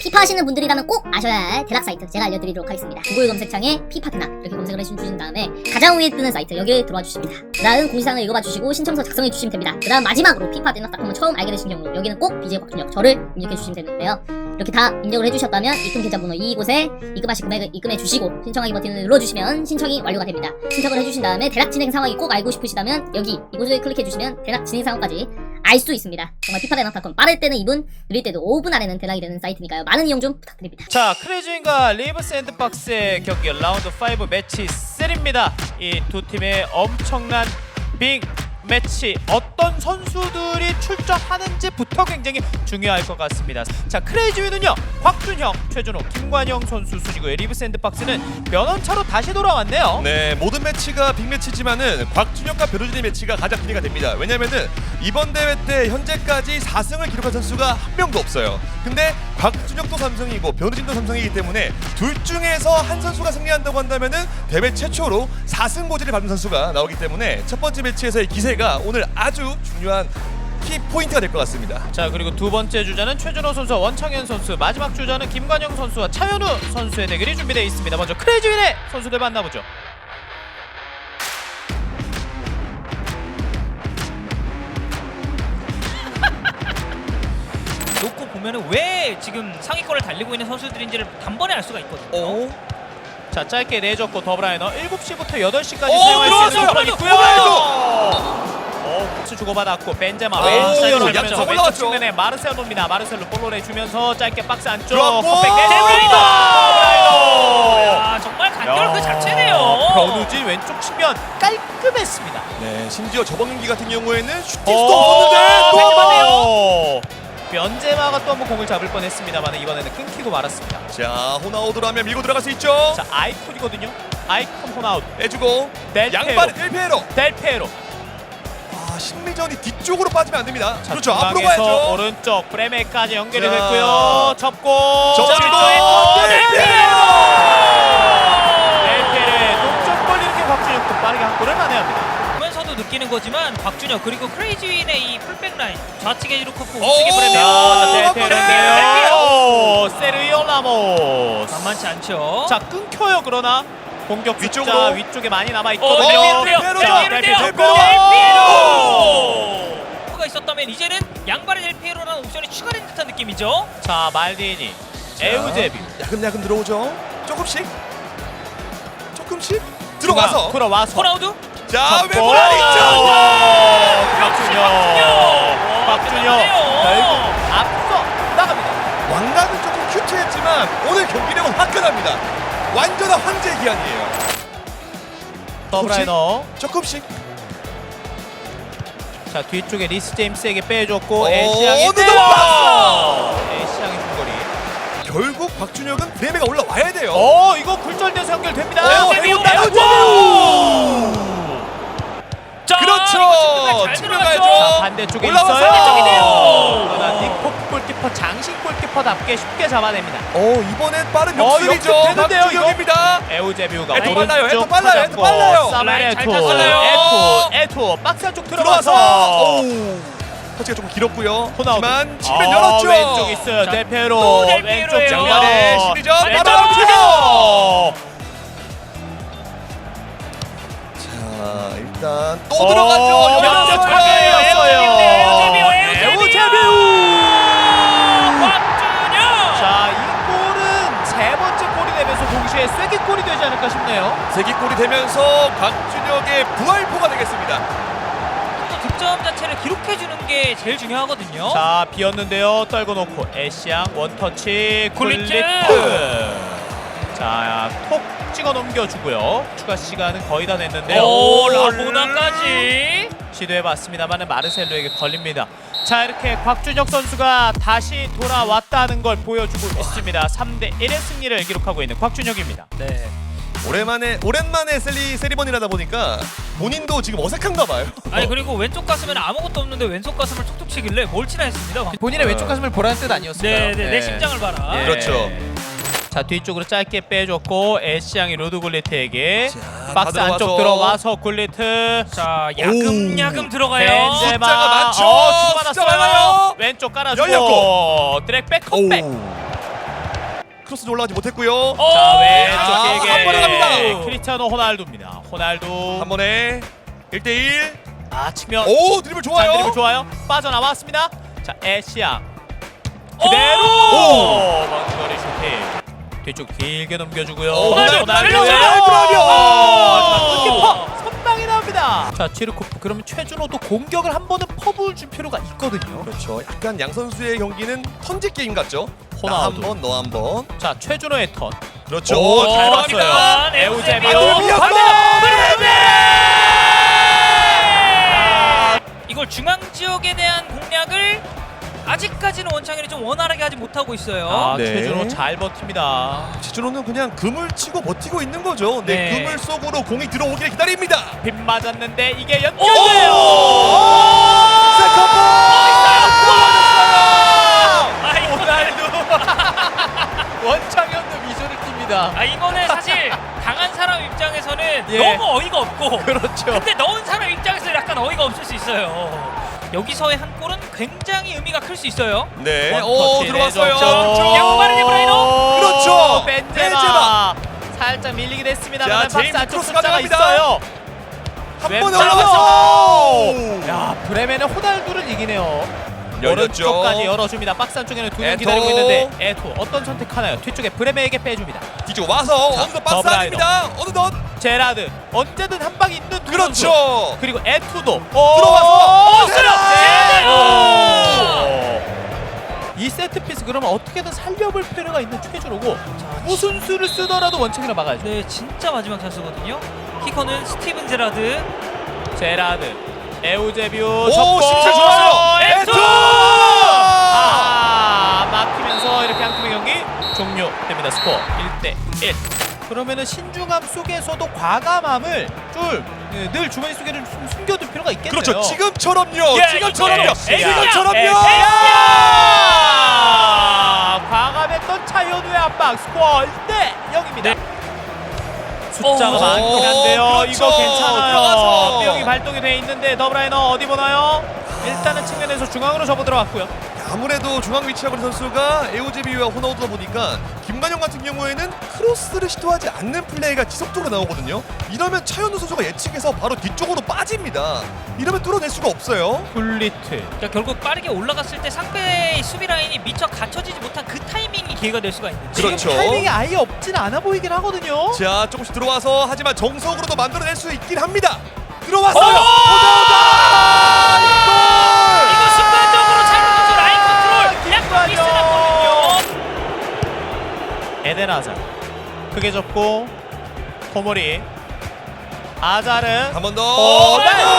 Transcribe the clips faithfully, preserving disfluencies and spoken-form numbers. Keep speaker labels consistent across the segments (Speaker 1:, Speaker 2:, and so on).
Speaker 1: 피파 하시는 분들이라면 꼭 아셔야 할 대낙 사이트 제가 알려드리도록 하겠습니다. 구글 검색창에 피파 대낙 이렇게 검색을 해주신 다음에 가장 위에 뜨는 사이트 여기에 들어와 주십니다. 그 다음 공지사항을 읽어봐 주시고 신청서 작성해 주시면 됩니다. 그 다음 마지막으로 피파 대낙닷컴을 처음 알게 되신 경우 여기는 꼭 비제이 곽준혁 저를 입력해 주시면 되는데요. 이렇게 다 입력을 해주셨다면 입금 계좌번호 이곳에 입금하실 금액을 입금해 주시고 신청하기 버튼을 눌러주시면 신청이 완료가 됩니다. 신청을 해주신 다음에 대낙 진행 상황이 꼭 알고 싶으시다면 여기 이곳을 클릭해 주시면 대낙 진행 상황까지 알 수 있습니다. 정말 피파 대낙닷컴 빠를 때는 이 분, 느릴 때도 오 분 안에는 대낙이 되는 사이트니까요. 많은 이용 좀 부탁드립니다.
Speaker 2: 자, 크레이즈인과 리브 샌드박스의 경기 라운드 오 매치 삼입니다. 이 두 팀의 엄청난 빅 매치, 어떤 선수들이 출전하는지부터 굉장히 중요할 것 같습니다. 자, 크레이지위는요 곽준혁, 최준호, 김관영 선수 순이고요. 리브 샌드박스는 면허차로 다시 돌아왔네요.
Speaker 3: 네, 모든 매치가 빅매치지만은 곽준혁과 벼루진의 매치가 가장 기대가 됩니다. 왜냐면은 이번 대회 때 현재까지 사 승을 기록한 선수가 한 명도 없어요. 근데 곽준혁도 삼성이고 벼루진도 삼성이기 때문에 둘 중에서 한 선수가 승리한다고 한다면은 대회 최초로 사 승 고지를 밟는 선수가 나오기 때문에 첫 번째 매치에서의 기세가 오늘 아주 중요한 키 포인트가 될 것 같습니다.
Speaker 2: 자, 그리고 두 번째 주자는 최준호 선수와 원창현 선수, 마지막 주자는 김관영 선수와 차현우 선수의 대결이 준비되어 있습니다. 먼저 크레이지윈의 선수들 만나보죠.
Speaker 4: 놓고 보면은 왜 지금 상위권을 달리고 있는 선수들인지를 단번에 알 수가 있거든요.
Speaker 3: 오,
Speaker 2: 자, 짧게 내줬고 더블라이너 일곱 시부터 여덟 시까지
Speaker 3: 오,
Speaker 2: 사용할 수 있는
Speaker 3: 들어왔어요.
Speaker 2: 공간이 있고요. 어, 코스 주고받았고 벤제마
Speaker 3: 오,
Speaker 2: 왼쪽 사이드로
Speaker 3: 양쪽
Speaker 2: 가면서 왼쪽
Speaker 3: 올라왔죠.
Speaker 2: 측면에 마르셀로입니다. 마르셀로 볼로 내주면서 짧게 박스 안쪽
Speaker 3: 들어왔고,
Speaker 2: 컵백
Speaker 4: 데브라이너!
Speaker 2: 데브라이너!
Speaker 4: 야, 정말 간결 그 자체네요.
Speaker 2: 변우진 왼쪽 측면 깔끔했습니다.
Speaker 3: 네, 심지어 저번 경기 같은 경우에는 슈팅
Speaker 2: 어,
Speaker 3: 수도 없었는데 또
Speaker 2: 벤제마네요. 벤제마가 또 한번 공을 잡을 뻔했습니다.만 이번에는 끊기고 말았습니다.
Speaker 3: 자, 호나우드라면 밀고 들어갈 수 있죠.
Speaker 2: 자, 아이콘이거든요. 아이콘 호나우드.
Speaker 3: 해주고
Speaker 2: 델페로.
Speaker 3: 양발의 델페로.
Speaker 2: 델페로.
Speaker 3: 아, 심리전이 뒤쪽으로 빠지면 안 됩니다.
Speaker 2: 자,
Speaker 3: 그렇죠, 앞으로
Speaker 2: 중앙에서
Speaker 3: 가야죠.
Speaker 2: 오른쪽 브레메까지 연결이
Speaker 3: 자,
Speaker 2: 됐고요. 접고
Speaker 3: 접고
Speaker 2: 자,
Speaker 3: 델페로!
Speaker 2: 델페로의 동점골 이렇게 곽준혁도 빠르게 한 골을 만회합니다.
Speaker 4: 보면서도 느끼는 거지만 곽준혁 그리고 크레이지윈의 이 풀백 라인 좌측에 이루코프
Speaker 3: 오,
Speaker 4: 우측에 브레메
Speaker 2: 델페로 세르히오 라모스.
Speaker 4: 만만치 않죠.
Speaker 2: 자, 끊겨요. 그러나 공격 숫자
Speaker 3: 위쪽으로.
Speaker 2: 위쪽에 많이 남아
Speaker 4: 어,
Speaker 2: 있거든요.
Speaker 4: 델피에로요.
Speaker 2: 자,
Speaker 4: 델피에로요.
Speaker 2: 델피에로.
Speaker 4: 델피에로. 가 있었다면 이제는 양발의 델피에로라는 옵션이 추가된 듯한 느낌이죠.
Speaker 2: 자, 말디니, 에우제비
Speaker 3: 야금야금 들어오죠. 조금씩 조금씩 들어와서
Speaker 2: 들어와서
Speaker 4: 호나우두
Speaker 3: 자,
Speaker 2: 잡고.
Speaker 3: 외골 아니죠.
Speaker 2: 곽준혁 곽준혁 결국 앞서 나갑니다.
Speaker 3: 왕관은 조금 큐트했지만 오늘 경기력은 화끈합니다. 완전한 황제의 기한이에요.
Speaker 2: 더블라이너.
Speaker 3: 조금씩
Speaker 2: 자, 뒤쪽에 리스 제임스에게 빼줬고
Speaker 3: 오,
Speaker 2: 에시앙이
Speaker 3: 어느덧
Speaker 2: 때려!
Speaker 3: 봤어!
Speaker 2: 에시앙의 중거리.
Speaker 3: 결국 박준혁은 브레메가 올라와야 돼요.
Speaker 2: 오, 이거 굴절돼서 연결됩니다.
Speaker 3: 오,
Speaker 2: 에우제비,
Speaker 3: 에우제비!
Speaker 2: 에우제비!
Speaker 4: 자,
Speaker 3: 그렇죠.
Speaker 4: 이거 잘
Speaker 3: 측면
Speaker 4: 들어갔죠.
Speaker 3: 가야죠.
Speaker 2: 자, 반대쪽에
Speaker 3: 올라와서!
Speaker 2: 있어요.
Speaker 4: 반대쪽이네요.
Speaker 2: 그러나 닉포크 골키퍼, 장신 골키퍼답게 쉽게 잡아냅니다.
Speaker 3: 어, 이번엔 빠른
Speaker 2: 어,
Speaker 3: 역습이죠.
Speaker 2: 역습되는데요,
Speaker 3: 박준혁입니다.
Speaker 2: 에우제비우가
Speaker 3: 에토
Speaker 2: 오른쪽
Speaker 3: 빨라요, 에토 빨라요, 에토
Speaker 2: 잡고
Speaker 3: 빨라요.
Speaker 2: 사멜
Speaker 4: 라인 잘
Speaker 2: 에토,
Speaker 4: 탔어요.
Speaker 2: 에토, 에토 박스 안쪽
Speaker 3: 들어와서
Speaker 2: 들어가서
Speaker 3: 오, 터치가 조금 길었고요.
Speaker 2: 호나우두.
Speaker 3: 하지만 측면
Speaker 2: 아,
Speaker 3: 열었죠.
Speaker 2: 왼쪽 있어요.
Speaker 4: 자,
Speaker 2: 델페로
Speaker 4: 또 델페로예요.
Speaker 2: 왼쪽
Speaker 3: 장관의
Speaker 2: 장관의
Speaker 3: 심리전
Speaker 4: 왼쪽
Speaker 3: 바로
Speaker 2: 왼쪽.
Speaker 3: 자, 일단 또
Speaker 2: 어,
Speaker 3: 들어가죠.
Speaker 2: 연결
Speaker 3: 연결
Speaker 2: 잘했어요.
Speaker 4: 에우제비우, 에우제비우.
Speaker 2: 에우제비우.
Speaker 4: 곽준혁.
Speaker 2: 자, 이 골은 세 번째 골이 되면서 동시에 쐐기골이 되지 않을까 싶네요.
Speaker 3: 세기골이 되면서 박준혁의 부활포가 되겠습니다.
Speaker 4: 또 득점 자체를 기록해주는 게 제일 중요하거든요.
Speaker 2: 자, 비었는데요. 떨궈 놓고 에시앙 원터치
Speaker 4: 굴리트.
Speaker 2: 굴리트. 자, 톡 찍어 넘겨주고요. 추가 시간은 거의 다 됐는데요.
Speaker 4: 오, 라보나까지.
Speaker 2: 시도해봤습니다만 마르셀로에게 걸립니다. 자, 이렇게 곽준혁 선수가 다시 돌아왔다는 걸 보여주고 있습니다. 삼 대 일의 승리를 기록하고 있는 곽준혁입니다.
Speaker 4: 네.
Speaker 3: 오랜만에 오랜만에 셀리 세리머니라다 보니까 본인도 지금 어색한가 봐요.
Speaker 4: 아니 그리고 왼쪽 가슴에는 아무것도 없는데 왼쪽 가슴을 툭툭 치길래 뭘 치나 했습니다.
Speaker 5: 본인의 왼쪽 가슴을 보라는 뜻 아니었을까요?
Speaker 4: 네네 내 심장을 봐라.
Speaker 2: 예.
Speaker 3: 그렇죠.
Speaker 2: 자, 뒤쪽으로 짧게 빼줬고 에시앙이 로드 굴리트에게
Speaker 3: 자,
Speaker 2: 박스
Speaker 3: 다
Speaker 2: 안쪽 들어와서 굴리트.
Speaker 4: 자 야금야금 들어가요.
Speaker 2: 벤제마.
Speaker 3: 숫자가 많죠.
Speaker 2: 어,
Speaker 3: 숫자
Speaker 2: 주고받았어요.
Speaker 3: 많아요.
Speaker 2: 왼쪽 깔아주고
Speaker 3: 열렸고.
Speaker 2: 드랙 백 컵백.
Speaker 3: 오. 크로스는 올라가지 못했고요.
Speaker 4: 오!
Speaker 2: 자 왼쪽
Speaker 3: 아,
Speaker 2: 길게
Speaker 3: 한 번에 갑니다.
Speaker 2: 크리스티아노 호날두입니다. 호날두
Speaker 3: 한 번에 일 대 일.
Speaker 2: 아 측면
Speaker 3: 오 드리블 좋아요.
Speaker 2: 자, 드리블 좋아요. 빠져나왔습니다. 자 애쉬양 그대로
Speaker 3: 오!
Speaker 2: 먼 거리 슈팅. 뒤쪽 길게 넘겨주고요.
Speaker 3: 오,
Speaker 2: 호날두,
Speaker 3: 호날두,
Speaker 2: 호날두.
Speaker 3: 호날두, 호날두.
Speaker 2: 오! 골키퍼 선방이 나옵니다. 자 치르코프 그러면 최준호도 공격을 한 번은 퍼부을 줄 필요가 있거든요.
Speaker 3: 그렇죠. 약간 양 선수의 경기는 턴제 게임 같죠. 나 한
Speaker 2: 호날두.
Speaker 3: 번, 너 한 번.
Speaker 2: 자 최준호의 턴.
Speaker 3: 그렇죠.
Speaker 2: 오,
Speaker 3: 잘
Speaker 2: 봤어요.
Speaker 3: 봤습니다.
Speaker 2: 에우제비오.
Speaker 3: 에우제비오.
Speaker 4: 이걸 중앙 지역에 대한 공략을 아직까지는 원창현이 좀 원활하게 하지 못하고 있어요.
Speaker 2: 아
Speaker 3: 네.
Speaker 2: 최준호 잘 버팁니다.
Speaker 3: 지준호는 그냥 금을 치고 버티고 있는 거죠. 네,
Speaker 4: 네.
Speaker 3: 금을 속으로 공이 들어오길 기다립니다.
Speaker 2: 빗 맞았는데 이게 연결돼요.
Speaker 3: 세컨볼!
Speaker 4: 아이,
Speaker 2: 호날두. 원창현도 미소를 띕니다.
Speaker 4: 아 이거는 사실 당한 사람 입장에서는
Speaker 2: 예.
Speaker 4: 너무 어이가 없고
Speaker 2: 그렇죠.
Speaker 4: 근데 넣은 사람 입장에서 약간 어이가 없을 수 있어요. 여기서의 한 골은 굉장히 의미가 클 수 있어요.
Speaker 3: 네,
Speaker 2: 원
Speaker 3: 오
Speaker 2: 터치
Speaker 3: 들어왔어요.
Speaker 2: 내줬죠.
Speaker 4: 양발의 데브라이너.
Speaker 3: 그렇죠.
Speaker 2: 벤제마. 살짝 밀리게 됐습니다.
Speaker 3: 자,
Speaker 2: 박스
Speaker 3: 제임스
Speaker 2: 안쪽
Speaker 3: 크로스
Speaker 2: 숫자가
Speaker 3: 가져갑니다.
Speaker 2: 있어요.
Speaker 3: 한 번에
Speaker 2: 왼쪽.
Speaker 3: 올라갔어.
Speaker 2: 야 브레멘은 호날두를 이기네요.
Speaker 3: 열렸죠.
Speaker 2: 오른쪽까지 열어줍니다. 박스 안쪽에는 두 명
Speaker 3: 에토.
Speaker 2: 기다리고 있는데 에토 어떤 선택하나요? 뒤쪽에 브레멘에게 빼줍니다.
Speaker 3: 뒤쪽 와서
Speaker 2: 자,
Speaker 3: 어느덧 박스
Speaker 2: 더블라이너.
Speaker 3: 아닙니다. 어느덧.
Speaker 2: 제라드 언제든 한 방이 있는 두 선수.
Speaker 3: 그렇죠.
Speaker 2: 그리고 에투도
Speaker 3: 들어와서
Speaker 2: 제라드!
Speaker 4: 제라드!
Speaker 2: 이 세트 피스 그러면 어떻게든 살려볼 필요가 있는 최준호고 무슨 수를 쓰더라도 원칙이라 막아야죠.
Speaker 4: 네, 진짜 마지막 찬스거든요. 키커는 스티븐 제라드.
Speaker 2: 제라드, 에우제비오
Speaker 3: 오,
Speaker 2: 접고
Speaker 3: 심사 좋아요.
Speaker 2: 에투!
Speaker 3: 에투!
Speaker 2: 아, 막히면서 이렇게 한 팀의 경기 종료됩니다. 스코어 일 대 일. 그러면은 신중함 속에서도 과감함을 좀 늘 주머니 속에 좀 숨겨둘 필요가 있겠네요.
Speaker 3: 그렇죠. 지금처럼요.
Speaker 4: 예,
Speaker 3: 지금처럼요.
Speaker 2: 예, 예,
Speaker 3: 지금처럼요.
Speaker 2: 예, 예. 과감했던 차현우의 압박 스코어 일 대 영입니다. 숫자가
Speaker 4: 오,
Speaker 2: 많긴 한데요.
Speaker 3: 그렇죠.
Speaker 2: 이거 괜찮아요.
Speaker 3: 들어가서.
Speaker 2: 삐용이 발동이 돼 있는데 더블라이너 어디 보나요? 일단은 측면에서 중앙으로 접어 들어갔고요.
Speaker 3: 아무래도 중앙 위치하고 있는 선수가 에오제비와 호나우드다 보니까 김관영 같은 경우에는 크로스를 시도하지 않는 플레이가 지속적으로 나오거든요. 이러면 차현우 선수가 예측해서 바로 뒤쪽으로 빠집니다. 이러면 뚫어낼 수가 없어요.
Speaker 2: 굴리트.
Speaker 4: 그러니까 결국 빠르게 올라갔을 때 상대의 수비 라인이 미처 갖춰지지 못한 그 타이밍이 기회가 될 수가 있는데
Speaker 3: 그렇죠.
Speaker 2: 지금 타이밍이 아예 없진 않아 보이긴 하거든요.
Speaker 3: 자, 조금씩 들어와서 하지만 정석으로도 만들어낼 수 있긴 합니다. 들어왔어요.
Speaker 2: 오!
Speaker 3: 호나우드!
Speaker 4: 이거 순간적으로 차는 선수 라인 컨트롤 약간
Speaker 2: 김관영!
Speaker 4: 미스났거든요.
Speaker 2: 에덴 아잘. 크게 접고 토모리. 아잘은
Speaker 3: 한 번 더.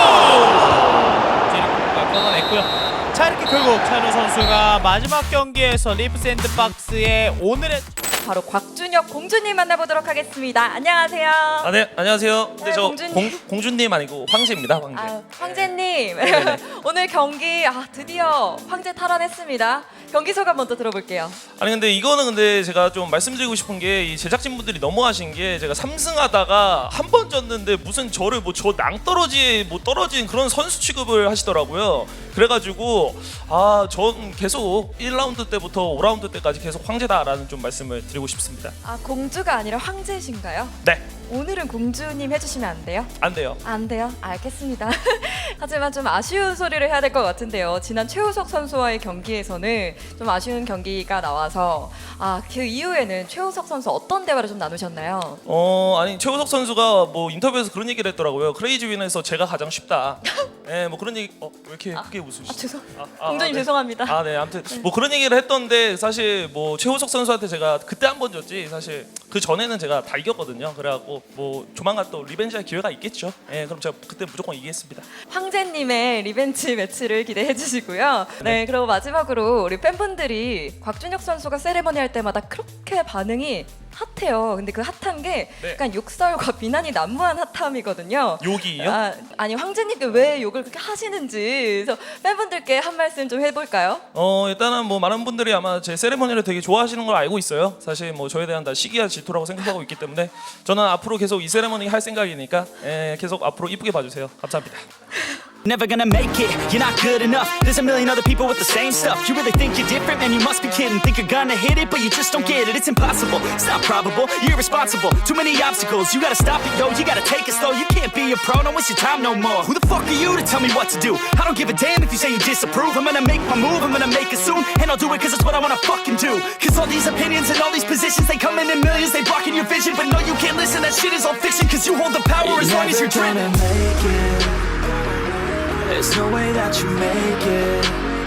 Speaker 2: 제리코가 끊어냈고요. 자 이렇게 결국 차현우 선수가 마지막 경기에서 리프 샌드박스의 오늘의
Speaker 6: 바로 곽준혁 공주님 만나보도록 하겠습니다. 안녕하세요.
Speaker 7: 아, 네, 안녕하세요. 근데
Speaker 6: 네,
Speaker 7: 저
Speaker 6: 공주님.
Speaker 7: 공, 공주님 아니고 황제입니다, 황제.
Speaker 6: 아, 황제님
Speaker 7: 네네.
Speaker 6: 오늘 경기 아, 드디어 황제 탈환했습니다. 경기 소감 먼저 들어볼게요.
Speaker 7: 아니 근데 이거는 근데 제가 좀 말씀드리고 싶은 게 이 제작진분들이 너무하신 게 제가 삼승하다가 한 번 졌는데 무슨 저를 뭐 저 낭떠러지에 뭐 떨어진 그런 선수 취급을 하시더라고요. 그래가지고 아, 전 계속 일 라운드 때부터 오 라운드 때까지 계속 황제다라는 좀 말씀을 드리고 싶습니다.
Speaker 6: 아 공주가 아니라 황제신가요?
Speaker 7: 네,
Speaker 6: 오늘은 공주님 해주시면 안 돼요?
Speaker 7: 안 돼요.
Speaker 6: 안 돼요? 알겠습니다. 하지만 좀 아쉬운 소리를 해야 될 것 같은데요. 지난 최우석 선수와의 경기에서는 좀 아쉬운 경기가 나와서 아, 그 이후에는 최우석 선수 어떤 대화를 좀 나누셨나요?
Speaker 7: 어, 아니 최우석 선수가 뭐 인터뷰에서 그런 얘기를 했더라고요. 크레이지 윈에서 제가 가장 쉽다. 네, 뭐 그런 얘기. 어, 왜 이렇게 크게 웃으시죠?
Speaker 6: 아, 죄송.
Speaker 7: 아, 아,
Speaker 6: 공주님
Speaker 7: 네.
Speaker 6: 죄송합니다.
Speaker 7: 아, 네. 아무튼 뭐 그런 얘기를 했던데 사실 뭐 최우석 선수한테 제가 그때 한 번 졌지 사실 그 전에는 제가 다 이겼거든요. 그래갖고 뭐 조만간 또 리벤지할 기회가 있겠죠. 예, 그럼 제가 그때 무조건 이기겠습니다.
Speaker 6: 황제님의 리벤지 매치를 기대해 주시고요. 네, 그리고 마지막으로 우리 팬분들이 곽준혁 선수가 세레머니 할 때마다 그렇게 반응이 핫해요. 근데 그 핫한 게
Speaker 7: 네.
Speaker 6: 약간 욕설과 비난이 난무한 핫함이거든요.
Speaker 7: 욕이요?
Speaker 6: 아, 아니 황제님께 왜 욕을 그렇게 하시는지 그래서 팬분들께 한 말씀 좀 해볼까요?
Speaker 7: 어, 일단은 뭐 많은 분들이 아마 제 세레머니를 되게 좋아하시는 걸 알고 있어요. 사실 뭐 저에 대한 다 시기와 질투라고 생각하고 있기 때문에 저는 앞으로 계속 이 세레머니 할 생각이니까 예, 계속 앞으로 이쁘게 봐주세요. 감사합니다.
Speaker 8: Never gonna make it, you're not good enough. There's a million other people with the same stuff. You really think you're different? Man, you must be kidding. Think you're gonna hit it, but you just don't get it. It's impossible, it's not probable, you're irresponsible. Too many obstacles, you gotta stop it, yo. You gotta take it slow, you can't be a pro, don't waste your time no more. Who the fuck are you to tell me what to do? I don't give a damn if you say you disapprove. I'm gonna make my move, I'm gonna make it soon. And I'll do it cause it's what I wanna fucking do. Cause all these opinions and all these positions, they come in in millions, they blocking your vision. But no, you can't listen, that shit is all fiction. Cause you hold the power as long as you're dreaming.
Speaker 9: There's no way that you make it.